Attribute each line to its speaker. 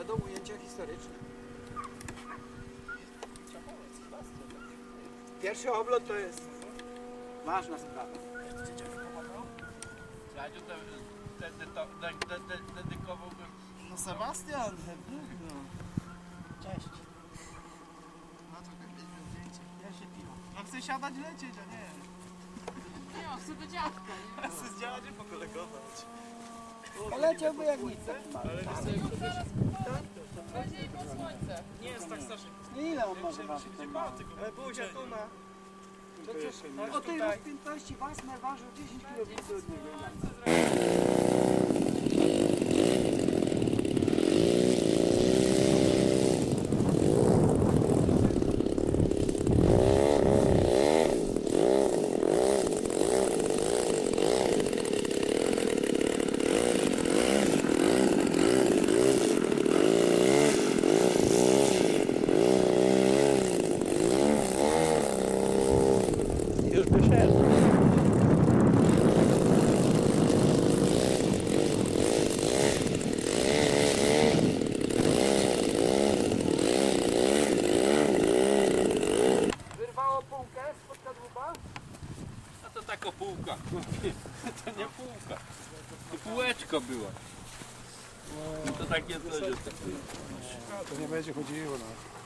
Speaker 1: Będą ujęcia historyczne. Pierwszy oblot to jest ważna sprawa.
Speaker 2: Dedykowałbym. No Sebastian, no.
Speaker 1: Cześć.
Speaker 2: No to mieliśmy zdjęcie. Pierwsze piwo. No chcę siadać lecieć, a nie.
Speaker 3: Nie, chcę do dziadka, nie?
Speaker 2: Ja chcę z dziadzie pokolegować.
Speaker 1: Poleciałby jak nic.
Speaker 3: Będzie i po słońce.
Speaker 2: Nie jest tak strasznie.
Speaker 1: Ile on może ważyć?
Speaker 2: Ale Buzia tu ma.
Speaker 1: Przecież o tej rozpiętości Wasmer ważył 10 kg od niego.
Speaker 4: Już wyszedł.
Speaker 1: Wyrwało półkę spod kadłuba?
Speaker 4: A to taka półka. To nie półka. To półeczko było. No to takie coś jest.
Speaker 5: To nie będzie chodziło, no.